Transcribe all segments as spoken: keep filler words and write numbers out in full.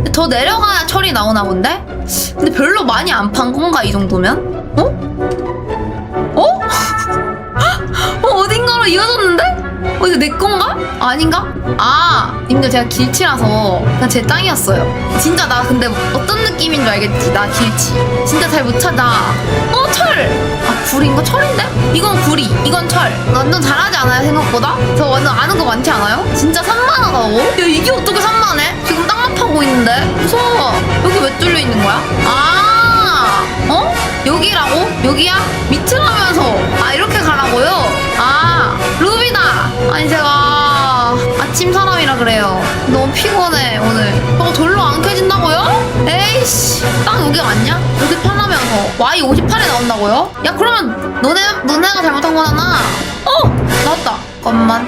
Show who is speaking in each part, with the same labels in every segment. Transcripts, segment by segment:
Speaker 1: 더 내려가야 철이 나오나 본데? 근데 별로 많이 안 판 건가 이 정도면? 어? 어? 어 어딘가로 이어졌는데? 어 이거 내 건가? 아닌가? 아 님들 제가 길치라서 그냥 제 땅이었어요. 진짜 나 근데 어떤 느낌인 줄 알겠지? 나 길치 진짜 잘 못 찾아. 어 철! 아 구리인가? 철인데? 이건 구리 이건 철. 완전 잘하지 않아요 생각보다? 저 완전 아는 거 많지 않아요? 진짜 산만하다고? 야 이게 어떻게 산만해? 지금 땅만 파고 있는데? 무서워. 여기 왜 뚫려 있는 거야? 아 어? 여기라고? 여기야? 밑이라면서. 아 이렇게 가라고요? 아 루비다. 아니 제가 아침 사람이라 그래요. 너무 피곤해 오늘. 저거 절로 안 켜진다고요? 에이씨 딱 여기 맞냐? 여기 편하면서 와이 오십팔에 나온다고요? 야 그러면 너네, 너네가 잘못한 거잖아. 어! 나왔다. 잠깐만.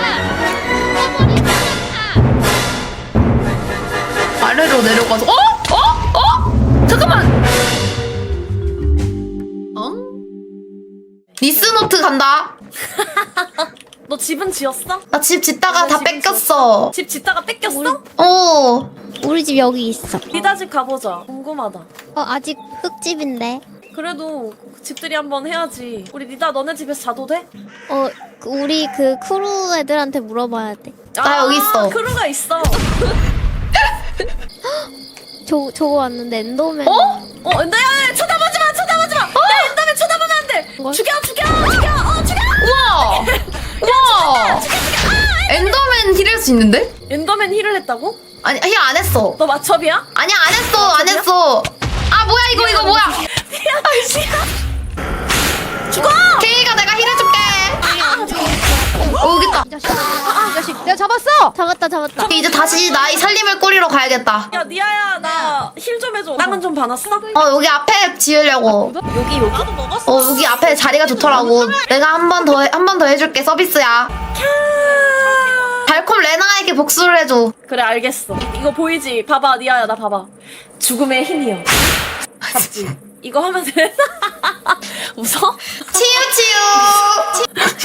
Speaker 1: 아래로 내려가서 어? 어? 어? 잠깐만. 어? 리스노트 간다.
Speaker 2: 너 집은 지었어?
Speaker 1: 나 집 짓다가
Speaker 2: 너네
Speaker 1: 다
Speaker 2: 집은
Speaker 1: 뺏겼어.
Speaker 2: 집 짓다가 뺏겼어?
Speaker 1: 어.
Speaker 3: 우리 집 여기 있어.
Speaker 2: 리다 집 가보자. 궁금하다.
Speaker 3: 어, 아직 흙집인데.
Speaker 2: 그래도 집들이 한번 해야지. 우리 리다 너네 집에서 자도 돼?
Speaker 3: 어, 그 우리 그 크루 애들한테 물어봐야 돼.
Speaker 1: 나 여기 있어.
Speaker 2: 크루가 있어.
Speaker 3: 저, 저거 왔는데 엔더맨.
Speaker 1: 어?
Speaker 2: 어, 엔더야, 쳐다보지 마, 쳐다보지 마. 나 엔더맨 쳐다보면 안 돼.
Speaker 3: 뭘?
Speaker 2: 죽여, 죽여, 죽여, 어, 죽여.
Speaker 1: 우와. 우와. 엔더맨 힐할 수 있는데?
Speaker 2: 엔더맨 힐을 했다고?
Speaker 1: 아니 힐 안 했어.
Speaker 2: 너 마첩이야?
Speaker 1: 아니야 안 했어 안 했어. 아 뭐야 이거 이거 뭐야?
Speaker 2: 죽어!
Speaker 1: 케이가 내가 힐해줄게. 어 여기 있다.
Speaker 3: 이 자식. 이 자식. 내가 잡았어! 잡았다, 잡았다.
Speaker 1: 이제 다시 나이 살림을 꾸리러 가야겠다.
Speaker 2: 야, 니아야, 나 힐 좀 해줘. 땅은 좀 봐놨어?
Speaker 1: 어 여기 앞에 지으려고.
Speaker 2: 여기, 여기.
Speaker 1: 어 여기 앞에 자리가 좋더라고. 내가 한 번 더 한 번 더 해줄게 서비스야. 달콤 레나에게 복수를 해줘.
Speaker 2: 그래, 알겠어. 이거 보이지? 봐봐, 니아야, 나 봐봐. 죽음의 힘이여. 봤지? 이거 하면 돼. 웃어?
Speaker 1: 치유 치유.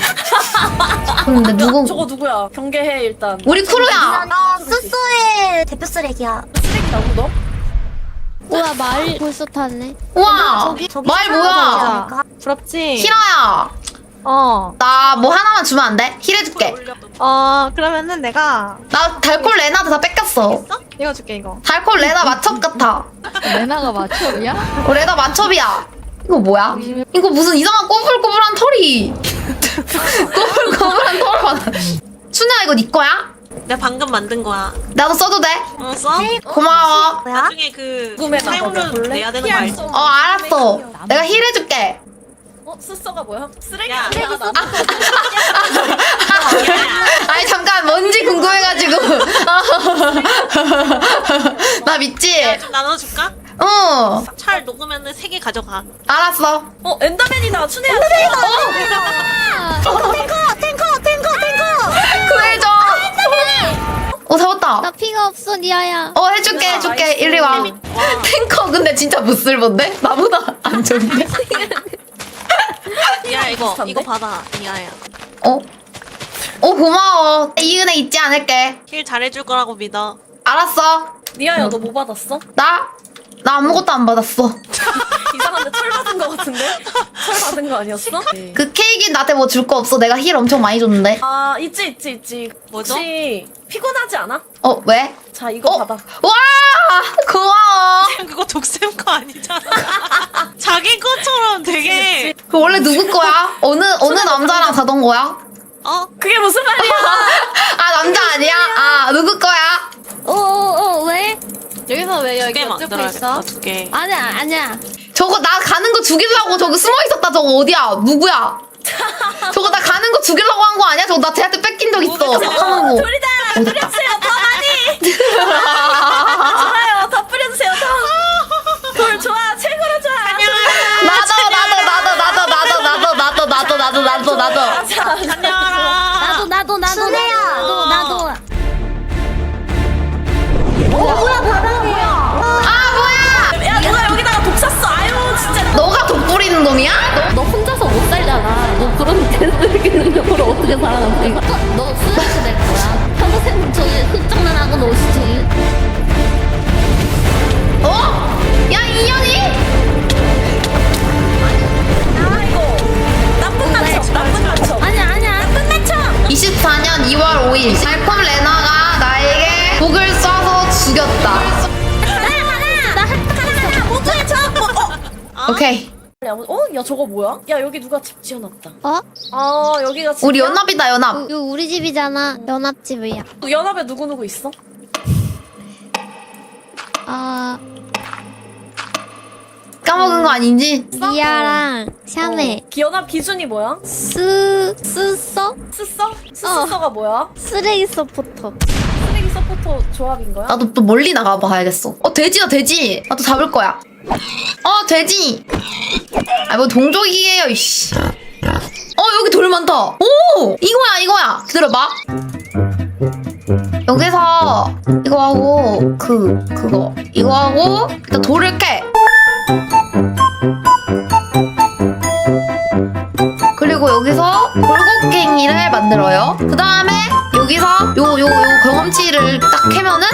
Speaker 1: 근데 누구?
Speaker 2: 저거 누구야? 경계해, 일단.
Speaker 1: 우리 크루야.
Speaker 4: 나 쏘쏘의 대표 쓰레기야.
Speaker 2: 쓰레기라고, 너?
Speaker 3: 뭐야, 말 벌써 탔네.
Speaker 1: 우와. 말 뭐야?
Speaker 5: 부럽지?
Speaker 1: 히라야.
Speaker 5: 어.
Speaker 1: 나 뭐 하나만 주면 안 돼? 힐해줄게.
Speaker 5: 어, 그러면은 내가
Speaker 1: 나 달콜 레나도 다 뺏겼어.
Speaker 5: 이거 줄게, 이거.
Speaker 1: 달콜 레나 마첩 같아.
Speaker 6: 레나가 마첩이야?
Speaker 1: 어, 레나 마첩이야. 이거 뭐야? 이거 무슨 이상한 꼬불꼬불한 털이. 꼬불꼬불한 털 받아. 춘혜야 이거 네 거야?
Speaker 7: 내가 방금 만든 거야.
Speaker 1: 나도 써도 돼?
Speaker 7: 어, 써?
Speaker 1: 고마워.
Speaker 4: 뭐야?
Speaker 7: 나중에 그
Speaker 2: 궁금해, 나
Speaker 7: 사용료
Speaker 2: 봐봐. 볼래?
Speaker 7: 내야 되는 거 알지?
Speaker 1: 어 알았어. 내가 힐해줄게.
Speaker 2: 어? 스서가 뭐야? 쓰레기
Speaker 7: 야,
Speaker 2: 아니야?
Speaker 7: 야,
Speaker 2: 나
Speaker 1: 아니 잠깐 뭔지 궁금해가지고. 나 믿지?
Speaker 7: 좀 나눠줄까?
Speaker 1: 어
Speaker 7: 찰 녹으면은 세 개 가져가.
Speaker 1: 알았어.
Speaker 2: 어, 엔더맨이다. 춘혜야. 엔더맨이다.
Speaker 4: 탱커 탱커 탱커 탱커.
Speaker 1: 구해줘. 어 잡았다.
Speaker 3: 나 피가 없어, 니아야.
Speaker 1: 어 해줄게 해줄게. 이리 와. 탱커 근데 진짜 못쓸본데? 나보다 안 좋은데?
Speaker 7: 야, 이거
Speaker 2: 비슷한데?
Speaker 7: 이거 받아. 야야.
Speaker 1: 어? 어 고마워. 이 은혜 잊지 않을게.
Speaker 7: 힐 잘해줄 거라고 믿어.
Speaker 1: 알았어.
Speaker 2: 니아야, 너 뭐 받았어?
Speaker 1: 나? 나 아무것도 안 받았어.
Speaker 2: 이상한데 철 받은 거 같은데? 철 받은 거 아니었어?
Speaker 1: 그 케이크 나한테 뭐 줄 거 없어. 내가 힐 엄청 많이 줬는데.
Speaker 2: 아, 있지, 있지, 있지.
Speaker 7: 뭐죠?
Speaker 2: 혹시 피곤하지 않아?
Speaker 1: 어 왜?
Speaker 2: 자, 이거
Speaker 1: 어?
Speaker 2: 받아.
Speaker 1: 와 고마워.
Speaker 7: 그거 독쌤 거 아니잖아. 자기 것처럼 되게
Speaker 1: 그 원래 누구 거야? 어느 어느 남자랑 자던 거야?
Speaker 7: 어?
Speaker 2: 그게 무슨 말이야?
Speaker 1: 아 남자 아니야? 아 누구 거야?
Speaker 3: 어, 어, 어, 왜?
Speaker 5: 여기서 왜
Speaker 7: 두
Speaker 5: 여기
Speaker 7: 개
Speaker 5: 옆에
Speaker 7: 만들어야겠다.
Speaker 5: 있어?
Speaker 7: 두 개.
Speaker 3: 아니야, 아니야.
Speaker 1: 저거 나 가는 거 죽이려고 저거 숨어 있었다. 저거 어디야? 누구야? 저거 나 가는 거 죽이려고 한 거 아니야? 저거 나 쟤한테 뺏긴 적 있어. 하는 거.
Speaker 2: 둘이다! 뿌려주세요, 더 많이! 좋아요, 더 뿌려주세요, 더! 돌 좋아, 최고로 좋아!
Speaker 1: 나도 나도 나도 나도 나도 나도 나도 나도 나도 나도 나도.
Speaker 7: 안녕.
Speaker 3: 나도, 나도, 나도,
Speaker 4: 순애야.
Speaker 3: 나도, 나도.
Speaker 1: 아 뭐야?
Speaker 2: 야, 누가 여기다가 독 샀어? 아유, 진짜.
Speaker 1: 너가 독 뿌리는 놈이야?
Speaker 6: 너, 너 혼자서 못 살잖아. 너 그런 개쓰레기 능력으로 어떻게 살아남지? 너 스웨트 될 거야. 평생 저기 흑장난하고 노시지.
Speaker 1: 죽였다.
Speaker 4: 목소리 쳐.
Speaker 1: 오케이.
Speaker 2: 어? 야 저거 뭐야? 야 여기 누가 집 지어놨다.
Speaker 3: 어?
Speaker 2: 아 여기가 집이야?
Speaker 1: 우리 연합이다 연합.
Speaker 3: 이거 우리 집이잖아. 연합집이야.
Speaker 2: 연합에 누구 누구 있어?
Speaker 3: 아
Speaker 1: 까먹은 거 아닌지?
Speaker 3: 리아랑 샤메,
Speaker 2: 어. 연합 기준이 뭐야?
Speaker 3: 스 스서
Speaker 2: 스써? 스스서가 뭐야?
Speaker 3: 쓰레기 서포터.
Speaker 2: 쓰레기 서포터 조합인 거야?
Speaker 1: 나도 또 멀리 나가봐야겠어. 어 돼지다 돼지. 나도 잡을 거야. 어 돼지. 아 뭐 동족이에요 이씨. 어 여기 돌 많다. 오 이거야 이거야. 기다려봐. 여기서 이거 하고 그 그거 이거 하고 일단 돌을 깨. 그리고 여기서 골곡갱이를 만들어요. 그 다음에 여기서 요 요 요 경험치를 딱 캐면은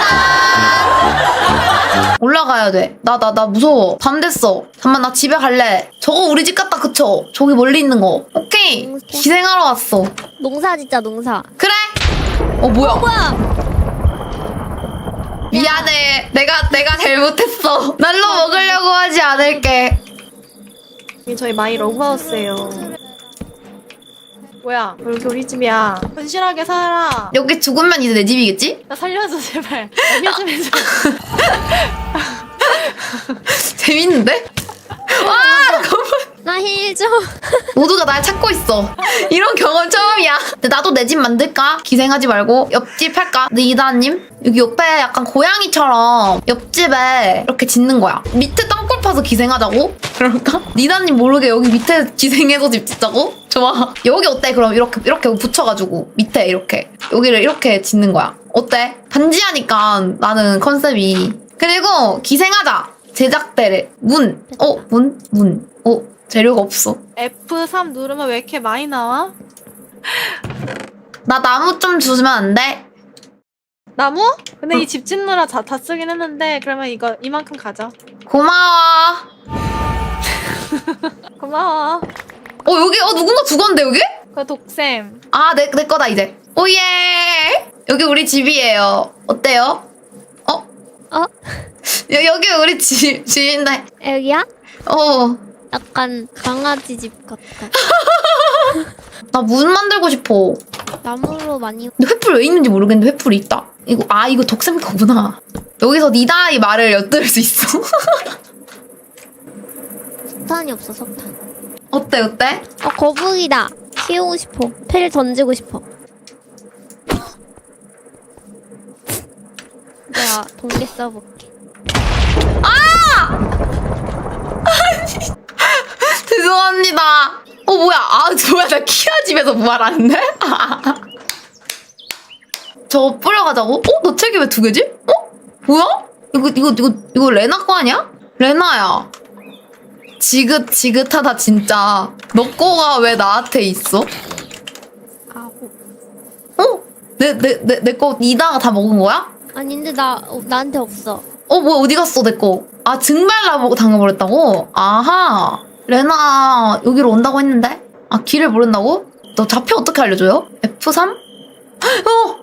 Speaker 1: 짜란! 올라가야 돼. 나 나 나 무서워. 밤 됐어. 잠만 나 집에 갈래. 저거 우리 집 같다 그쵸? 저기 멀리 있는 거. 오케이. 기생하러 왔어.
Speaker 3: 농사 진짜 농사.
Speaker 1: 그래. 어 뭐야?
Speaker 3: 뭐야?
Speaker 1: 미안해. 내가 내가 잘못했어. 날로 먹으려고 하지 않을게.
Speaker 5: 이게 저희 마이 러브하우스예요. 뭐야? 여기 우리 집이야. 건실하게 살아.
Speaker 1: 여기 죽으면 이제 내 집이겠지?
Speaker 5: 나 살려줘 제발. 나힐좀 해줘.
Speaker 1: 재밌는데? 와 잠깐만.
Speaker 3: 나 힐 좀.
Speaker 1: 모두가 날 찾고 있어. 이런 경험 처음이야. 근데 나도 내 집 만들까? 기생하지 말고 옆집 할까? 근데 이다님 여기 옆에 약간 고양이처럼 옆집에 이렇게 짓는 거야. 밑에 땅굴 파서 기생하자고? 그럴까? 니다님 모르게 여기 밑에 기생해서 집 짓자고? 좋아. 여기 어때? 그럼 이렇게 이렇게 붙여가지고 밑에 이렇게 여기를 이렇게 짓는 거야. 어때? 반지하니까 나는 컨셉이. 그리고 기생하자. 제작대를 문. 어 문? 문. 어 재료가 없어.
Speaker 5: 에프 삼 누르면 왜 이렇게 많이 나와?
Speaker 1: 나 나무 좀 주면 안 돼?
Speaker 5: 나무? 근데 이 집 짓느라 다, 다 쓰긴 했는데 그러면 이거 이만큼 가져.
Speaker 1: 고마워.
Speaker 5: 고마워.
Speaker 1: 어 여기 어 누군가 죽었는데 여기?
Speaker 5: 그 독쌤.
Speaker 1: 아 내 내 거다 이제. 오예. 여기 우리 집이에요. 어때요? 어?
Speaker 3: 어?
Speaker 1: 여, 여기 우리 집 집인데.
Speaker 3: 여기야?
Speaker 1: 어.
Speaker 3: 약간 강아지 집 같아.
Speaker 1: 나 문 만들고 싶어.
Speaker 3: 나무로 많이.
Speaker 1: 근데 횃불 왜 있는지 모르겠는데 횃불이 있다. 이거 아 이거 덕쌤 거구나. 여기서 니다의 말을 엿들을 수 있어.
Speaker 3: 석탄이 없어 석탄.
Speaker 1: 어때 어때?
Speaker 3: 어 거북이다. 키우고 싶어. 패를 던지고 싶어. 내가 동계 써볼게.
Speaker 1: 죄송합니다. 어 뭐야? 아 뭐야 나 키아 집에서 부활하는데? 저거 뿌려가자고? 어? 너 책이 왜 두 개지? 어? 뭐야? 이거 이거 이거 이거 레나 거 아니야? 레나야. 지긋지긋하다 진짜. 너 거가 왜 나한테 있어?
Speaker 3: 아고.
Speaker 1: 어? 내 내 내 내 거 이다가 다 먹은 거야?
Speaker 3: 아닌데 나 어, 나한테 없어.
Speaker 1: 어 뭐야 어디 갔어 내 거? 아 증발라 보고 당해버렸다고? 아하. 레나 여기로 온다고 했는데? 아 길을 모른다고? 너 좌표 어떻게 알려줘요? 에프 삼? 어!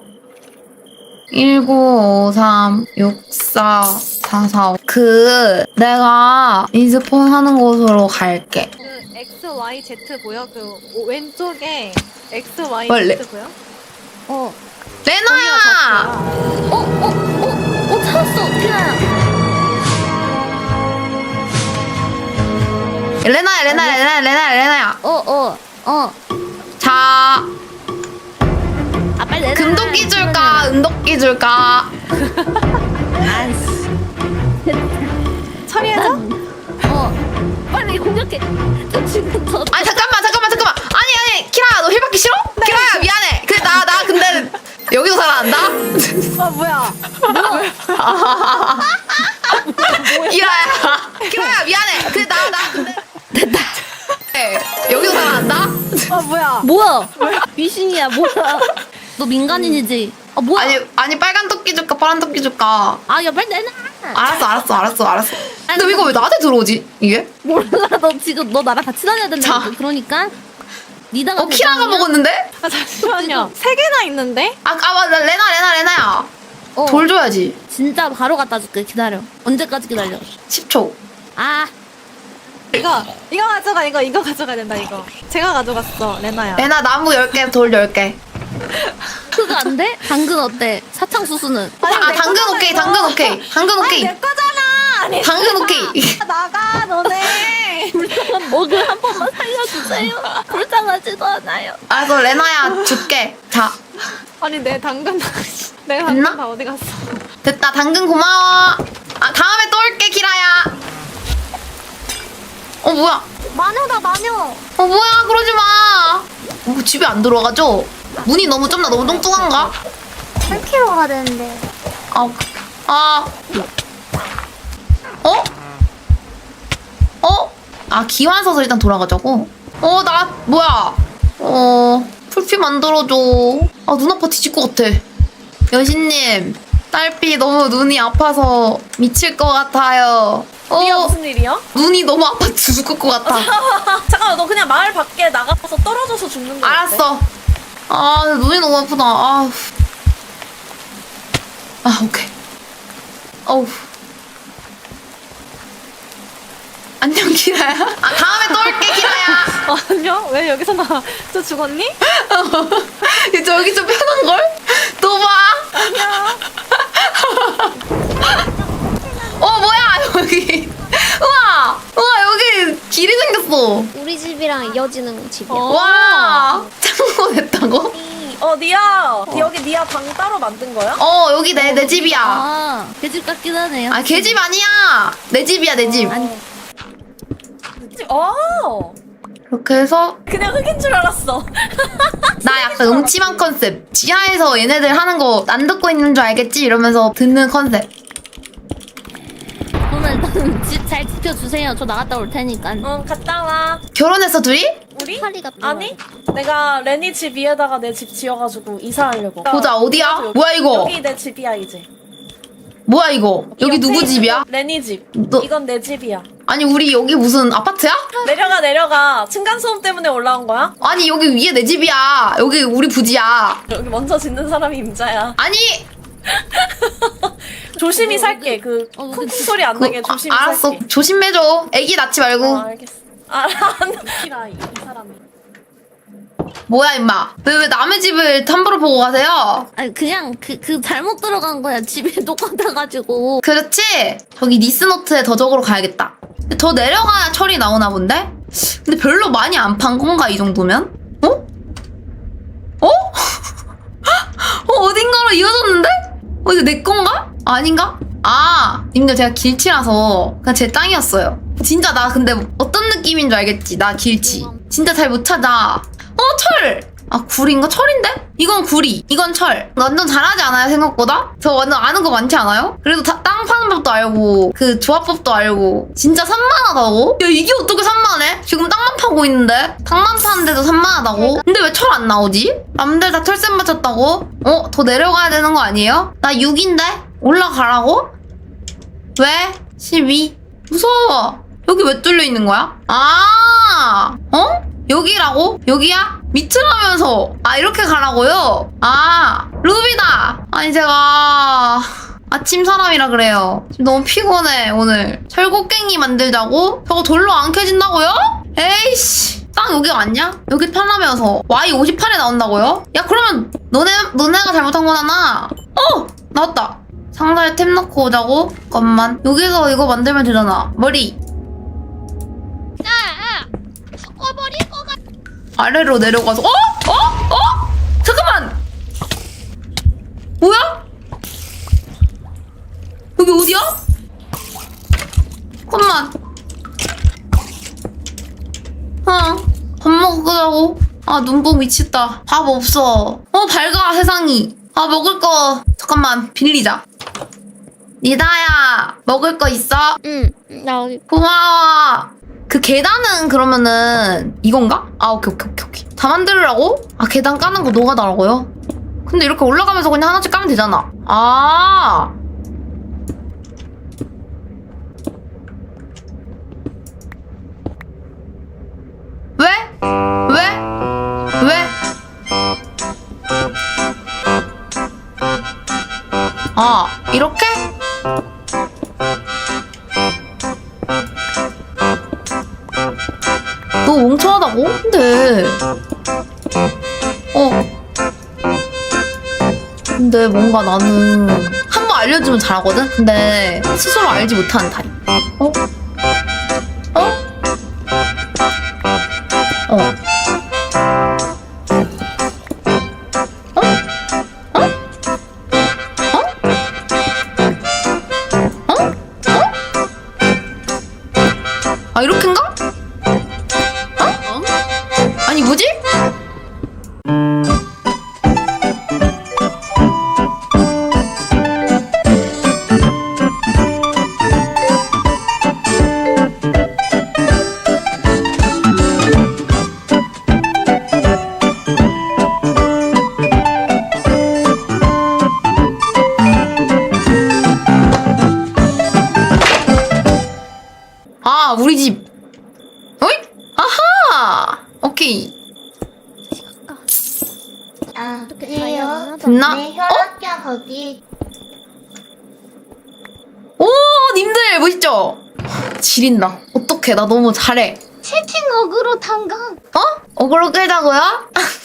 Speaker 1: 일구오삼 육사사사 그 내가 인스폰 하는 곳으로 갈게.
Speaker 5: 그 엑스 와이 제트 보여? 그 오- 왼쪽에 엑스 와이
Speaker 1: 원래-
Speaker 5: 제트 보여?
Speaker 3: 어.
Speaker 1: 레나야!
Speaker 6: 어, 어, 어, 어, 찾았어, 티나야.
Speaker 1: 레나야 레나야 레나야 레나야 레나야.
Speaker 6: 어, 어, 어.
Speaker 1: 자
Speaker 6: 아, 빨리 내놔.
Speaker 1: 금도끼 줄까 은도끼 줄까?
Speaker 6: 아이씨.
Speaker 5: 처리해줘?
Speaker 6: 어. 빨리 공격해. 저 지금부터.
Speaker 1: 아니 잠깐만 잠깐만 잠깐만 아니 아니 키라야 너 힐받기 싫어? 키라야 미안해. 그래 나 나 근데 여기서 살아난다?
Speaker 5: 아 뭐야?
Speaker 1: 키라야 키라야 미안해. 그래 나 나 근데 됐다. 여기서 살아난다?
Speaker 5: 아 뭐야?
Speaker 6: 뭐야? 미신이야, 뭐야? 너 민간인이지? 아, 뭐야?
Speaker 1: 아니 아니 빨간 토끼 줄까 파란 토끼 줄까?
Speaker 6: 아, 야, 빨리 내놔.
Speaker 1: 알았어 알았어 알았어 알았어. 근데 이거 왜 나한테 들어오지 이게?
Speaker 6: 몰라, 너 지금 너 나랑 같이 다녀야 된다.
Speaker 1: 자.
Speaker 6: 그러니까. 니다가
Speaker 1: 어 키라가 먹었는데?
Speaker 5: 아 잠시만요. 세 개나 있는데?
Speaker 1: 아, 아 맞아 레나 레나 레나야.
Speaker 6: 어.
Speaker 1: 돌 줘야지.
Speaker 6: 진짜 바로 갖다 줄게. 기다려. 언제까지 기다려?
Speaker 1: 십 초.
Speaker 6: 아,
Speaker 5: 이거 이거 가져가 이거 이거 가져가야 된다 이거. 제가 가져갔어 레나야.
Speaker 1: 레나 나무 열 개, 돌 열 개.
Speaker 6: 그거 안 돼? 당근 어때? 사탕수수는?
Speaker 1: 아, 당근 오케이, 당근 오케이. 당근 오케이.
Speaker 5: 내 거잖아. 아니
Speaker 1: 당근 오케이.
Speaker 5: 나가 너네.
Speaker 6: 불쌍한 먹을 한 번만 살려주세요. 불쌍하지도 않아요.
Speaker 1: 알았어, 레나야, 줄게. 자,
Speaker 5: 아니 내 당근 내가
Speaker 1: 됐나?
Speaker 5: 당근 다 어디 갔어?
Speaker 1: 됐다. 당근 고마워. 아, 다음에 또 올게, 키라야. 어, 뭐야?
Speaker 4: 마녀다 마녀.
Speaker 1: 어, 뭐야, 그러지 마. 어, 집에 안 들어가죠? 문이 너무 좁나? 너무 뚱뚱한가?
Speaker 4: 팔 킬로그램 가야 되는데.
Speaker 1: 아, 아. 어? 어? 아, 기완 서서 일단 돌아가자고? 어, 나, 뭐야. 어, 풀피 만들어줘. 아, 눈 아파 뒤질 것 같아. 여신님, 딸피 너무 눈이 아파서 미칠 것 같아요.
Speaker 2: 니야
Speaker 1: 어,
Speaker 2: 무슨 일이야?
Speaker 1: 눈이 너무 아파 죽을 것 같아.
Speaker 2: 잠깐만 너 그냥 마을 밖에 나가서 떨어져서 죽는 거
Speaker 1: 알았어. 아, 눈이 너무 아프다. 아, 아, 오케이. 어우. 안녕, 키라야. 아, 다음에 또 올게, 키라야.
Speaker 5: 어, 아니요 왜 여기서 나 또 죽었니?
Speaker 1: 이제 여기 좀 편한걸? 또 봐. 어, 뭐야, 여기. 우와. 우와, 여기 길이 생겼어.
Speaker 3: 우리 집이랑 이어지는 집이야.
Speaker 1: 와. 창고 됐다고?
Speaker 2: 어 니야 여기 니야 방 따로 만든 거야?
Speaker 1: 어, 여기 내, 내 집이야.
Speaker 6: 아, 계집 같긴 하네요.
Speaker 1: 아, 걔 집 아니야. 내 집이야, 내 집.
Speaker 6: 아니,
Speaker 2: 어
Speaker 1: 이렇게 해서
Speaker 2: 그냥 흙인 줄 알았어.
Speaker 1: 나 약간 음침한 컨셉. 지하에서 얘네들 하는 거 안 듣고 있는 줄 알겠지? 이러면서 듣는 컨셉.
Speaker 6: 오늘 일단 집 잘 지켜주세요. 저 나갔다 올 테니까.
Speaker 2: 응 갔다 와.
Speaker 1: 결혼했어, 둘이?
Speaker 2: 우리?
Speaker 3: 파리가
Speaker 2: 아니 내가 레니 집 위에다가 내 집 지어가지고 이사하려고.
Speaker 1: 보자, 어디야?
Speaker 2: 여기,
Speaker 1: 뭐야, 이거?
Speaker 2: 여기 내 집이야 이제.
Speaker 1: 뭐야, 이거? 여기
Speaker 2: 이거
Speaker 1: 누구
Speaker 2: 페이스북
Speaker 1: 집이야?
Speaker 2: 레니 집.
Speaker 1: 너-
Speaker 2: 이건 내 집이야.
Speaker 1: 아니, 우리 여기 무슨 아파트야?
Speaker 2: 내려가 내려가. 층간 소음 때문에 올라온 거야?
Speaker 1: 아니, 여기 위에 내 집이야. 여기 우리 부지야.
Speaker 2: 여기 먼저 짓는 사람이 임자야.
Speaker 1: 아니!
Speaker 2: 조심히 살게. 그
Speaker 6: 어,
Speaker 2: 쿵쿵
Speaker 6: 그-
Speaker 2: 소리 안
Speaker 1: 그,
Speaker 2: 나게 조심히
Speaker 1: 아, 알았어.
Speaker 2: 살게.
Speaker 1: 조심해줘. 애기 낳지 말고.
Speaker 2: 아, 알겠어. 아, 안 이, 이 사람이.
Speaker 1: 뭐야, 임마. 왜, 왜 남의 집을 함부로 보고 가세요?
Speaker 6: 아니, 그냥 그, 그 잘못 들어간 거야. 집이 똑같아가지고.
Speaker 1: 그렇지? 저기 니스노트에 더 적으러 가야겠다. 근데 더 내려가야 철이 나오나 본데? 근데 별로 많이 안 판 건가, 이 정도면? 어? 어? 어, 어딘가로 이어졌는데? 어, 이거 내 건가? 아닌가? 아, 님들 제가 길치라서 그냥 제 땅이었어요. 진짜 나 근데 어떤 느낌인 줄 알겠지? 나 길치. 진짜 잘 못 찾아. 어, 철! 아, 구리인가? 철인데? 이건 구리, 이건 철. 완전 잘하지 않아요, 생각보다? 저 완전 아는 거 많지 않아요? 그래도 다, 땅 파는 법도 알고, 그 조합법도 알고. 진짜 산만하다고? 야, 이게 어떻게 산만해? 지금 땅만 파고 있는데? 땅만 파는데도 산만하다고? 근데 왜 철 안 나오지? 남들 다 철샘 맞췄다고? 어? 더 내려가야 되는 거 아니에요? 나 육인데? 올라가라고? 왜? 십이? 무서워. 여기 왜 뚫려 있는 거야? 아, 어? 여기라고? 여기야? 밑으라면서. 아, 이렇게 가라고요? 아, 루비다. 아니, 제가 아침 사람이라 그래요. 지금 너무 피곤해, 오늘. 철곡갱이 만들자고? 저거 돌로 안 켜진다고요? 에이씨. 땅 여기 맞냐? 여기 편하면서 와이 오십팔에 나온다고요? 야, 그러면 너네, 너네가 잘못한 거잖아. 어! 나왔다. 상자에 템 넣고 오자고? 잠깐만. 여기서 이거 만들면 되잖아. 머리. 아래로 내려가서 어? 어? 어? 잠깐만! 뭐야? 여기 어디야? 잠깐만. 아, 밥 먹으라고? 아, 눈뽕 미쳤다. 밥 없어. 어, 밝아, 세상이. 아, 먹을 거. 잠깐만, 빌리자. 니다야, 먹을 거 있어?
Speaker 3: 응. 나 여기
Speaker 1: 고마워. 그 계단은 그러면은 이건가? 아, 오케이 오케이 오케이 오케이. 다 만들으라고? 아, 계단 까는 거 노가다라고요? 근데 이렇게 올라가면서 그냥 하나씩 까면 되잖아. 아, 왜? 왜? 왜? 아, 이렇게? 이렇게? 너 멍청하다고? 근데 어 근데 뭔가 나는 한 번 알려주면 잘하거든? 근데 스스로 알지 못하는 타입. 어? 어? 어. 어? 어? 어? 어? 어? 아 이렇게인가? 어? 아니 뭐지? 아 우리 집. 어이? 아하. 오케이.
Speaker 4: 아,
Speaker 3: 이렇게
Speaker 4: 그래요?
Speaker 3: 다이아몬드
Speaker 1: 됐나?
Speaker 4: 네, 혈압계 거기.
Speaker 1: 오 님들 멋있죠? 지린다. 어떡해 나 너무 잘해.
Speaker 4: 채팅 어그로 탄강.
Speaker 1: 어? 어그로 끌자고요?